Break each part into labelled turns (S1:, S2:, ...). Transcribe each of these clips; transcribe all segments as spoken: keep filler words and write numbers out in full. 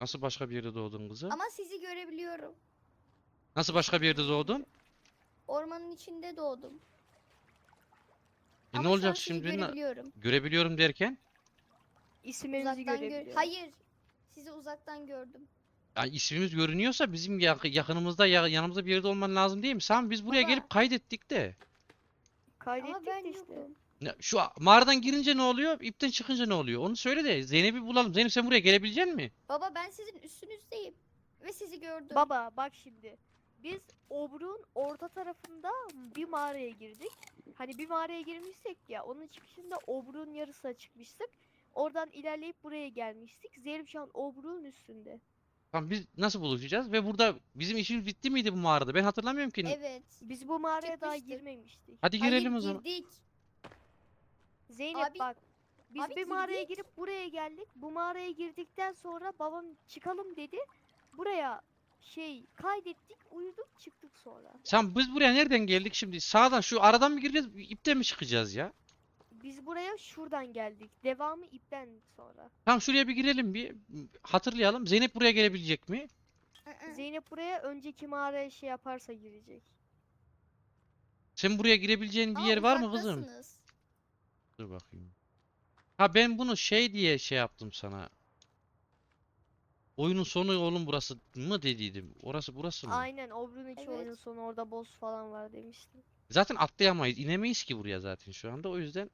S1: Nasıl başka bir yerde doğdun kızım?
S2: Ama sizi görebiliyorum.
S1: Nasıl başka bir yerde doğdun?
S2: Ormanın içinde doğdum.
S1: E ne
S2: Ama şu an
S1: olacak
S2: sizi
S1: şimdi? Na-
S2: görebiliyorum.
S1: Görebiliyorum derken?
S3: İsimlerinizi
S2: Uzaktan gör.
S3: görebiliyorum.
S2: Hayır. Sizi uzaktan gördüm.
S1: Ya ismimiz görünüyorsa bizim yak- yakınımızda ya- yanımızda bir yerde olman lazım değil mi? Sami biz buraya
S2: Baba.
S1: gelip kaydettik de.
S3: Kaydettik
S2: Ama ben
S3: de işte.
S2: yokum.
S1: Ya şu a- mağaradan girince ne oluyor? İpten çıkınca ne oluyor? Onu söyle de Zeynep'i bulalım. Zeynep sen buraya gelebilecek misin?
S2: Baba ben sizin üstünüzdeyim. Ve sizi gördüm.
S3: Baba bak şimdi. Biz Obruk'un orta tarafında bir mağaraya girdik. Hani bir mağaraya girmişsek ya, onun çıkışında Obruk'un yarısına çıkmıştık. Oradan ilerleyip buraya gelmiştik. Zeynep şu an Obruk'un üstünde.
S1: Tamam biz nasıl buluşacağız? Ve burada bizim işimiz bitti miydi bu mağarada? Ben hatırlamıyorum ki.
S2: Evet.
S3: Biz bu mağaraya daha
S2: Çıkmıştık.
S3: girmemiştik.
S1: Hadi
S2: Hayır
S1: girelim o zaman.
S2: girdik.
S3: Zeynep
S2: Abi-
S3: bak. Biz
S2: abi
S3: bir mağaraya
S2: girdik.
S3: girip buraya geldik. Bu mağaraya girdikten sonra babam çıkalım dedi. Buraya şey kaydettik, uyuduk, çıktık sonra.
S1: Sen biz buraya nereden geldik şimdi? Sağdan şu aradan mı gireceğiz? İpten mi çıkacağız ya?
S3: Biz buraya şuradan geldik. Devamı ipten sonra.
S1: Tamam şuraya bir girelim bir. Hatırlayalım. Zeynep buraya gelebilecek mi?
S2: Hı-hı.
S3: Zeynep buraya önceki mağaraya şey yaparsa girecek.
S1: Sen buraya girebileceğin bir
S2: Ama
S1: yer var mı kızım?
S2: uzaktasınız.
S1: Dur bakayım. Ha ben bunu şey diye şey yaptım sana. Oyunun sonu oğlum burası mı dediydim. Orası burası mı?
S3: Aynen, Obruk'un içi
S2: Evet.
S3: oyunun sonu, orada boss falan var demiştim.
S1: Zaten atlayamayız. İnemeyiz ki buraya zaten şu anda. O yüzden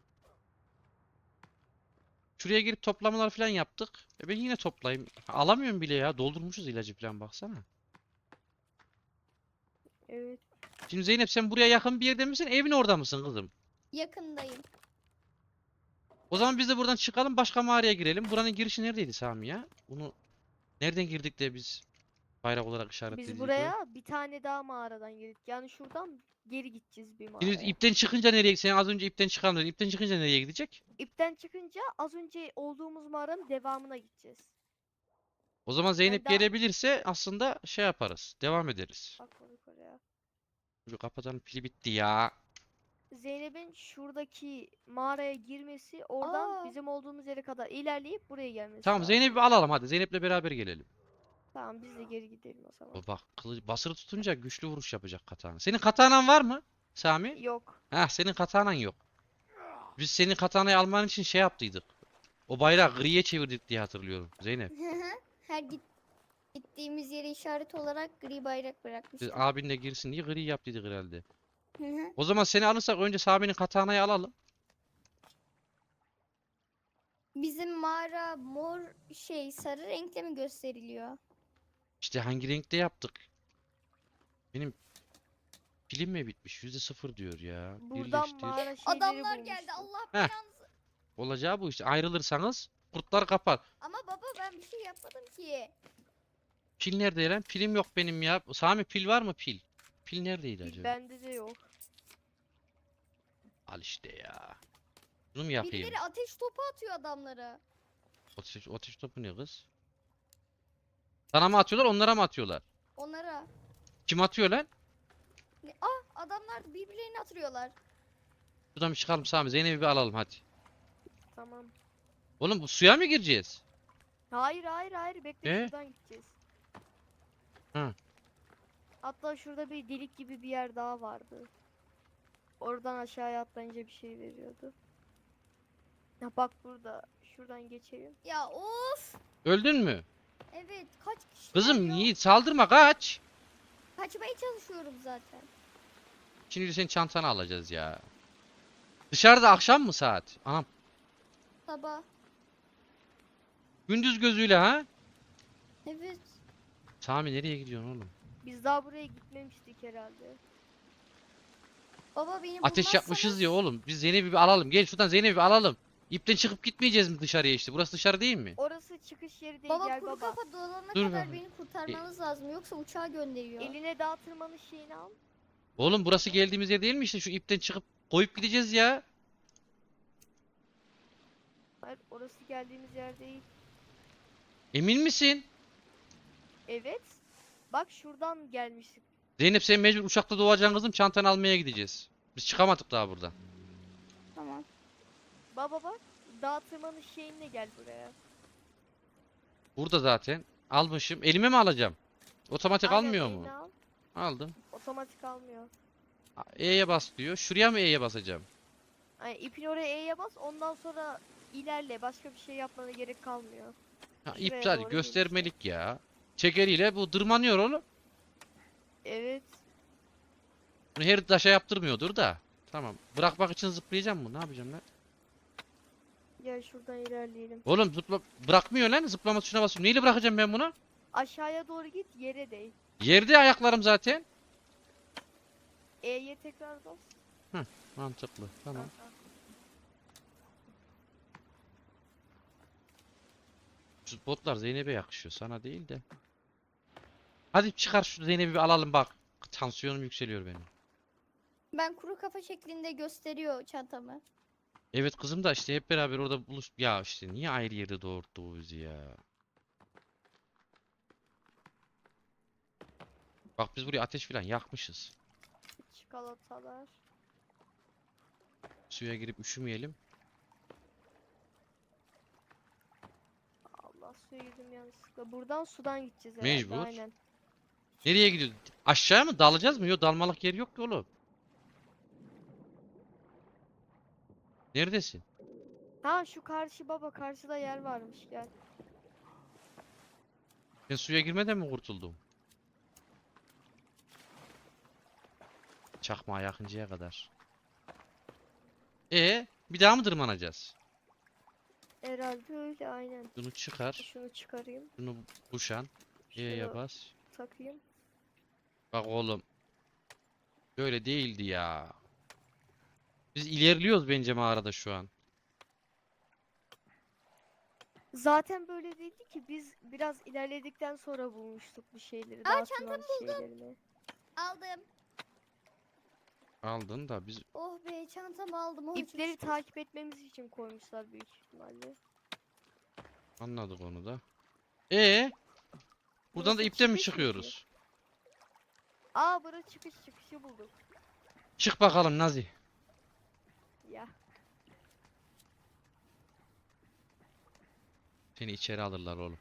S1: şuraya girip toplamalar falan yaptık. E ben yine toplayayım. Alamıyorum bile ya. Doldurmuşuz ilacı falan baksana.
S3: Evet.
S1: Şimdi Zeynep sen buraya yakın bir yerde misin? Evin orada mısın kızım?
S2: Yakındayım.
S1: O zaman biz de buradan çıkalım başka mağaraya girelim. Buranın girişi neredeydi Sami ya? Bunu nereden girdik de biz bayrak olarak işaretledik
S3: Biz
S1: o?
S3: buraya bir tane daha mağaradan girdik. Yani şuradan geri gideceğiz bir
S1: Şimdi
S3: mağaraya.
S1: ipten çıkınca nereye? Sen az önce ipten çıkalım dedin. İpten çıkınca nereye gidecek?
S3: İpten çıkınca az önce olduğumuz mağaranın devamına gideceğiz.
S1: O zaman Zeynep
S3: daha-
S1: gelebilirse aslında şey yaparız. Devam ederiz.
S3: Bak oraya.
S1: Şu kapatanın pili bitti ya.
S3: Zeynep'in şuradaki mağaraya girmesi, oradan
S2: Aa.
S3: bizim olduğumuz yere kadar ilerleyip buraya gelmesi
S1: Tamam
S3: lazım.
S1: Zeynep'i alalım hadi. Zeynep'le beraber gelelim.
S3: Tamam, biz de geri gidelim o zaman.
S1: O bak kılıç basılı tutunca güçlü vuruş yapacak katana. Senin katanan var mı Sami?
S3: Yok.
S1: Heh senin katanan yok. Biz senin katanayı alman için şey yaptıydık. O bayrağı griye çevirdik diye hatırlıyorum Zeynep.
S2: Hı-hı. Her git gittiğimiz yere işaret olarak gri bayrak
S1: Biz
S2: bırakmıştık.
S1: abin de girsin diye gri yaptıydık herhalde.
S2: Hı-hı.
S1: O zaman seni alırsak önce Sami'nin katanayı alalım.
S2: Bizim mağara mor şey sarı renkte mi gösteriliyor?
S1: İşte hangi renkte yaptık? Benim pilim mi bitmiş? Yüzde sıfır diyor ya.
S3: Buradan
S1: Birleştir.
S3: mağara şeyleri
S2: Adamlar geldi.
S3: bulmuştuk.
S2: Allah
S1: Heh.
S2: belanızı.
S1: Olacağı bu işte. Ayrılırsanız kurtlar kapar.
S2: Ama baba ben bir şey yapmadım ki.
S1: Pil nerede lan? Pilim yok benim ya. Sami pil var mı pil? Pil neredeydi acaba?
S3: Bende de yok.
S1: Al işte ya. Bunu mu yapayım?
S2: Birileri ateş topu atıyor adamlara.
S1: Ateş, ateş topu ne kız? Sana mı atıyorlar onlara mı atıyorlar?
S2: Onlara.
S1: Kim atıyor lan?
S2: Ne? Ah adamlar birbirlerini atıyorlar.
S1: Şuradan bir çıkalım Sami. Zeynep'i bir alalım hadi.
S3: Tamam.
S1: Oğlum bu suya mı gireceğiz?
S3: Hayır hayır hayır, bekle,
S1: Ee?
S3: şuradan gideceğiz.
S1: Hı.
S3: Hatta şurada bir delik gibi bir yer daha vardı. Oradan aşağıya atlayınca bir şey veriyordu. Ya bak burada. Şuradan geçelim.
S2: Ya of.
S1: Öldün mü?
S2: Evet kaç kişi
S1: Kızım
S2: ya?
S1: Yiğit saldırma kaç.
S2: Kaçmaya çalışıyorum zaten.
S1: Şimdi senin çantanı alacağız ya. Dışarıda akşam mı saat? Anam.
S2: Sabah.
S1: Gündüz gözüyle ha?
S2: Evet.
S1: Sami nereye gidiyorsun oğlum?
S3: Biz daha buraya gitmemiştik herhalde.
S2: Baba beni
S1: Ateş yapmışız
S2: bulmazsanız-
S1: ya oğlum. Biz Zeynep'i bir alalım. Gel şuradan Zeynep'i bir alalım. İpten çıkıp gitmeyeceğiz mi dışarıya işte? Burası dışarı değil mi?
S3: Orası çıkış yeri değil,
S2: Baba
S3: gel
S2: kuru
S3: baba.
S2: kafa dolana
S1: Dur
S2: kadar
S1: baba.
S2: beni kurtarmanız lazım yoksa uçağa gönderiyor.
S3: Eline dağ tırmanış şeyini al.
S1: Oğlum burası geldiğimiz yer değil mi işte? Şu ipten çıkıp koyup gideceğiz ya.
S3: Hayır, orası geldiğimiz yer değil.
S1: Emin misin?
S3: Evet. Bak şuradan gelmiştik.
S1: Zeynep sen mecbur uçakta doğacaksın kızım. Çantanı almaya gideceğiz. Biz çıkamadık daha buradan.
S2: Tamam.
S3: Baba bak. Dağ tırmanış şeyinle gel buraya.
S1: Burada zaten. Almışım. Elime mi alacağım? Otomatik
S3: Aynen,
S1: almıyor
S3: eline
S1: mu?
S3: al.
S1: Aldım.
S3: Otomatik almıyor.
S1: A- E'ye bas diyor. Şuraya mı E'ye basacağım?
S3: Yani ipin oraya E'ye bas, ondan sonra ilerle. Başka bir şey yapmana gerek kalmıyor.
S1: Ha,
S3: Şuraya
S1: iptal
S3: doğru gel işte.
S1: göstermelik ya. Çekeriyle bu dırmanıyor oğlum.
S3: Evet.
S1: Bunu her taşa yaptırmıyordur da. Tamam. Bırakmak için zıplayacağım mı? Ne yapacağım lan?
S3: Gel şuradan ilerleyelim.
S1: Oğlum zıpla bırakmıyor lan. Zıplama tuşuna basıyorum. Neyle bırakacağım ben bunu?
S3: Aşağıya doğru git, yere değ.
S1: Yerde ayaklarım zaten.
S3: E'ye tekrar bas.
S1: Mantıklı. Tamam.
S3: Aha.
S1: Şu botlar Zeynep'e yakışıyor. Sana değil de. Hadi çıkar şu Zeynep'i bir alalım bak. Tansiyonum yükseliyor benim.
S2: Ben kuru kafa şeklinde gösteriyor çantamı.
S1: Evet kızım da işte hep beraber orada buluş... Ya işte niye ayrı yerde doğurttu bu bizi ya? Bak biz buraya ateş falan yakmışız.
S3: Çikolatalar.
S1: Suya girip üşümeyelim.
S3: Allah, suya girdim yanlışlıkla. Buradan sudan gideceğiz herhalde.
S1: Mecbur.
S3: Aynen.
S1: Nereye gidiyoruz? Aşağı mı? Dalacağız mı? Yok dalmalık yer yok ki oğlum. Neredesin?
S3: Ha, şu karşı baba, karşıda yer varmış, gel.
S1: Ben suya girmeden mi kurtuldum? Çakmağa yakıncaya kadar. E bir daha mı tırmanacağız?
S3: Herhalde öyle, aynen.
S1: Bunu çıkar.
S3: Şunu çıkarayım.
S1: Şunu kuşan. E'ye
S3: Şunu
S1: bas.
S3: takayım.
S1: Bak oğlum. Böyle değildi ya. Biz ilerliyoruz bence mağarada şu an.
S3: Zaten böyle değildi ki, biz biraz ilerledikten sonra bulmuştuk bir şeyleri.
S2: Aa,
S3: dağıtılan şeylerini.
S2: Aldım.
S1: Aldın da biz
S2: Oh be, çantamı aldım. Oh, çok
S3: İpleri
S2: şükür.
S3: takip etmemiz için koymuşlar büyük ihtimalle.
S1: anladık onu da. E buradan da
S3: Burası
S1: ipten mi
S3: çıkış mı ki?
S1: çıkıyoruz?
S3: Aa, burası çıkış, çıkışı bulduk.
S1: Çık bakalım Nazi.
S3: Ya.
S1: Seni içeri alırlar oğlum.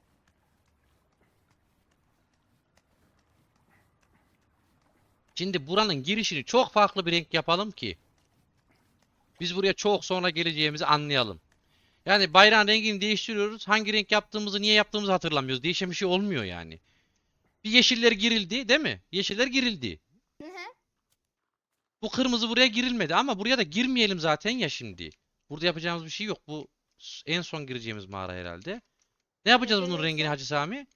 S1: Şimdi buranın girişini çok farklı bir renk yapalım ki biz buraya çok sonra geleceğimizi anlayalım. Yani bayrağın rengini değiştiriyoruz. Hangi renk yaptığımızı, niye yaptığımızı hatırlamıyoruz. Değişen bir şey olmuyor yani. Bir yeşiller girildi, değil mi? Yeşiller girildi.
S2: Hı hı.
S1: Bu kırmızı buraya girilmedi ama buraya da girmeyelim zaten ya şimdi. Burada yapacağımız bir şey yok. Bu s- en son gireceğimiz mağara herhalde. Ne yapacağız
S3: Evet,
S1: bunun
S3: evet,
S1: rengini
S3: son.
S1: Hacı Sami?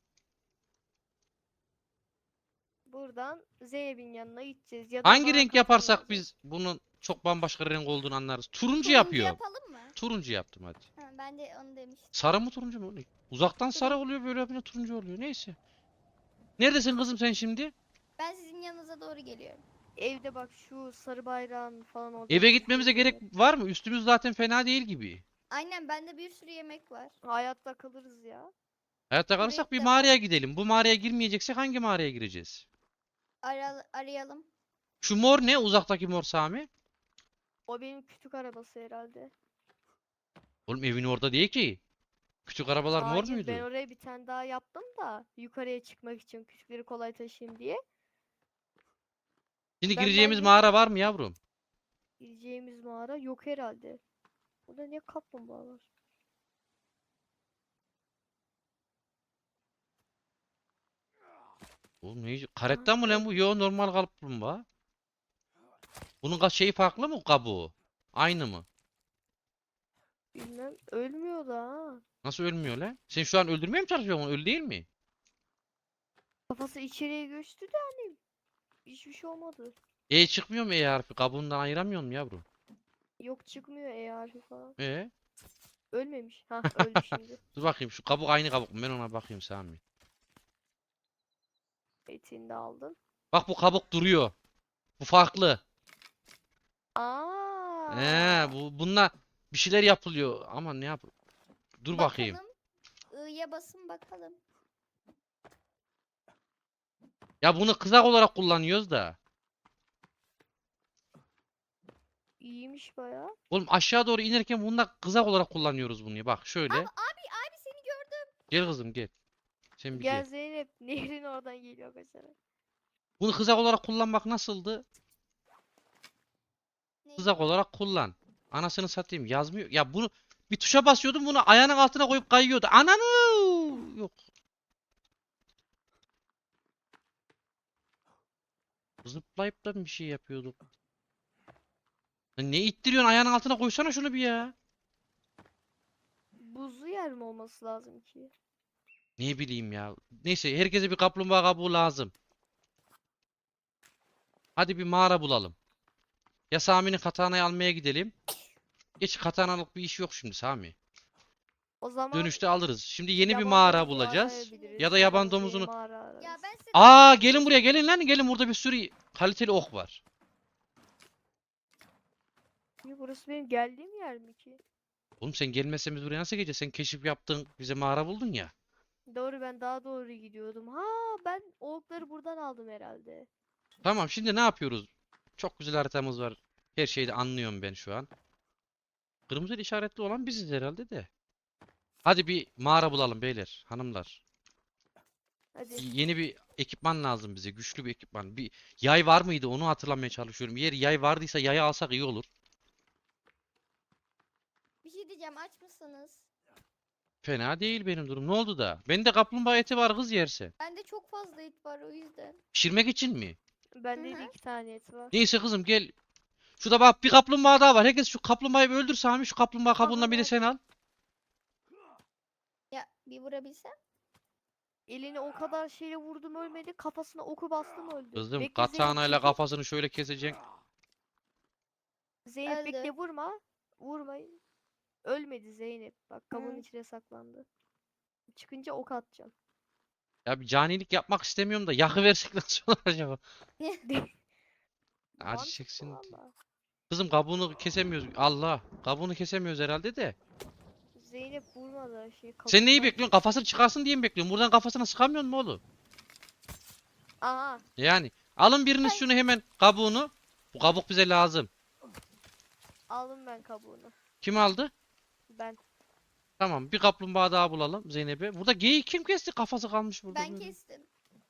S3: Buradan Zeynep'in yanına gideceğiz. Ya da
S1: Hangi
S3: bana
S1: renk
S3: kafan
S1: yaparsak
S3: alacak.
S1: biz bunun çok bambaşka renk olduğunu anlarız. Turuncu
S2: Turuncu
S1: yapıyorum.
S2: yapalım mı?
S1: Turuncu yaptım hadi.
S2: Ha, ben de onu demiştim.
S1: Sarı mı turuncu mu? Uzaktan sarı oluyor böyle yapınca turuncu oluyor. Neyse. Neredesin kızım sen şimdi?
S2: Ben sizin yanınıza doğru geliyorum.
S3: Evde bak, şu sarı bayrağın falan orada.
S1: Eve gitmemize gerek var mı? Üstümüz zaten fena değil gibi.
S2: Aynen, bende bir sürü yemek var.
S3: Hayatta kalırız ya.
S1: Hayatta
S2: Buraya
S1: kalırsak bir
S2: ilk
S1: mağaraya gidelim. Bu mağaraya girmeyeceksek hangi mağaraya gireceğiz?
S2: Ara arayalım.
S1: Şu mor ne? Uzaktaki mor Sami.
S3: O benim kütük arabası herhalde.
S1: Oğlum evin orada değil ki. Küçük arabalar mor
S3: Hayır,
S1: muydu?
S3: ben oraya bir tane daha yaptım da yukarıya çıkmak için, kütükleri kolay taşıyayım diye.
S1: Şimdi
S3: Ben
S1: gireceğimiz
S3: belki-
S1: mağara var mı yavrum?
S3: Gireceğimiz mağara yok herhalde. Burada niye kaplumbağa var?
S1: Oğlum ne? Karetta mı lan bu? Yo normal kaplumbağa. Bunun ka- şeyi farklı mı kabuğu? Aynı mı?
S3: Bilmem. Ölmüyor da ha.
S1: Nasıl ölmüyor lan? Sen şu an öldürmeye mi çalışıyorsun onu? Öyle değil mi?
S3: Kafası içeriye göçtü de hani hiçbir şey olmadı.
S1: E çıkmıyor mu E harfi? Kabuğundan ayıramıyor mu yavrum?
S3: Yok, çıkmıyor E harfi falan.
S1: E
S3: Ölmemiş. Ha, öldü şimdi.
S1: dur bakayım şu kabuk aynı kabuk mu? Ben ona bakayım Sami.
S3: Etiğini de aldım.
S1: Bak bu kabuk duruyor. Bu farklı.
S3: Aa.
S1: He bu bununla bir şeyler yapılıyor ama ne yap? Dur bakayım.
S2: Bakalım. I'ya basın bakalım.
S1: Ya bunu kızak olarak kullanıyoruz da.
S3: İyiymiş bayağı.
S1: Oğlum aşağı doğru inerken bununla kızak olarak kullanıyoruz bunu. Bak şöyle.
S2: Abi abi seni gördüm.
S1: Gel kızım gel. Sen bir
S3: Gel
S1: gel.
S3: Zeynep. Nehrin oradan geliyor kaçarak.
S1: Bunu kızak olarak kullanmak nasıldı?
S2: Neyi?
S1: Kızak olarak kullan. Anasını satayım yazmıyor. Ya bunu bir tuşa basıyordum bunu ayağının altına koyup kayıyordu. Ananı! Yok. Zıplayıp da bir şey yapıyorduk. Lan ne ittiriyorsun ayağının altına koysana şunu bir ya.
S3: Buzlu yer mi olması lazım ki?
S1: Ne bileyim ya. Neyse herkese bir kaplumbağa kabuğu lazım. Hadi bir mağara bulalım. Ya Sami'nin katanayı almaya gidelim. Geç katanalık bir iş yok şimdi Sami.
S3: O zaman
S1: Dönüşte alırız. Şimdi yeni bir
S3: yaban
S1: mağara
S3: domuzu
S1: bulacağız.
S3: arayabiliriz.
S1: Ya da yaban
S3: Yabani
S1: domuzunu.
S3: mağara ararız.
S2: Ya ben size
S1: Aa
S2: dedim
S1: gelin
S2: ki-
S1: buraya gelin lan gelin burada bir sürü kaliteli ok var.
S3: Ya burası benim geldiğim yer mi ki?
S1: Oğlum sen gelmezsen biz buraya nasıl geleceğiz? Sen keşif yaptın bize mağara buldun ya.
S3: Doğru, ben daha doğru gidiyordum. Ha, ben o okları buradan aldım herhalde.
S1: Tamam şimdi ne yapıyoruz? Çok güzel haritamız var. Her şeyi de anlıyorum ben şu an. Kırmızı işaretli olan biziz herhalde de. Hadi bir mağara bulalım beyler, hanımlar.
S3: Hadi.
S1: Yeni bir ekipman lazım bize. Güçlü bir ekipman. Bir yay var mıydı? Onu hatırlamaya çalışıyorum. Eğer yay vardıysa yayı alsak iyi olur.
S2: Bir şey diyeceğim, aç mısınız?
S1: Fena değil benim durum. Ne oldu da? Bende kaplumbağa eti var kız yerse.
S2: Bende çok fazla et var o yüzden.
S1: Pişirmek için mi?
S3: Bende
S2: Hı
S3: de
S2: hı.
S3: iki tane et var.
S1: Neyse kızım gel. Şurada bak bir kaplumbağa daha var. Herkes şu kaplumbağayı bir öldür Sami. Şu kaplumbağa kabuğundan bir de sen al.
S2: Ya bir vurabilsem.
S3: Eline o kadar şeyle vurdum ölmedi. Kafasına oku bastım öldü.
S1: Kızım
S3: Bekle Zeynep,
S1: katanayla
S3: çekil.
S1: kafasını şöyle keseceksin.
S3: Zeynep bekle,
S2: Öldü.
S3: vurma. Vurmayın. Ölmedi Zeynep. Bak kabuğun
S2: Hı.
S3: içine saklandı. Çıkınca ok atacağım.
S1: Ya bir canilik yapmak istemiyorum da yakıversek nasıl olur acaba? Acı
S3: Mantıklı
S1: çeksin diye.
S3: valla.
S1: Kızım kabuğunu kesemiyoruz. Allah. Kabuğunu kesemiyoruz herhalde de.
S3: Zeynep vurmadı şey
S1: Sen neyi
S3: kabuğundan
S1: bekliyorsun? Kafasını çıkarsın diye mi bekliyorsun? Buradan kafasına sıkamıyor mu oğlum?
S3: Aha,
S1: Yani alın biriniz şunu hemen kabuğunu. Bu kabuk bize lazım.
S3: aldım ben kabuğunu.
S1: Kim aldı?
S3: Ben.
S1: Tamam bir kaplumbağa daha bulalım Zeynep'e. Burada geyik kim kesti? Kafası kalmış burada
S2: Ben
S1: böyle.
S2: kestim.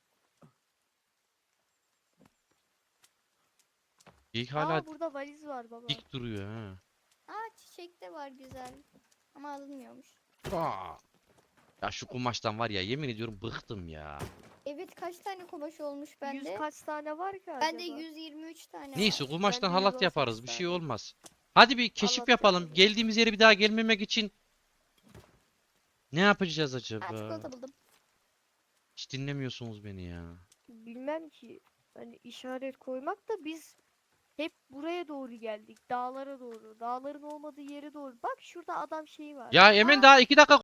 S1: Geyik hala
S3: Aa, burada valiz var baba.
S1: dik duruyor ha.
S2: Aa, çiçek de var güzel. Ama alınmıyormuş.
S1: Aa. Ya şu kumaştan var ya yemin ediyorum bıktım ya.
S2: Evet, kaç tane kumaş olmuş
S3: Yüz
S2: bende?
S3: kaç tane var ki
S2: Bende
S3: acaba?
S2: yüz yirmi üç tane
S1: Neyse
S2: var.
S1: kumaştan
S3: Bende yüz
S1: halat
S3: on sekiz
S1: yaparız bir şey
S3: tane.
S1: olmaz. Hadi bir keşif
S3: Halat
S1: yapalım.
S3: yaparız.
S1: Geldiğimiz yere bir daha gelmemek için ne yapacağız
S2: Aa,
S1: acaba?
S2: çikolata buldum.
S1: Hiç dinlemiyorsunuz beni ya.
S3: Bilmem ki. Hani işaret koymak da biz hep buraya doğru geldik. Dağlara doğru. Dağların olmadığı yere doğru. Bak şurada adam şeyi var.
S1: Ya Emin
S2: Aa.
S1: daha iki dakika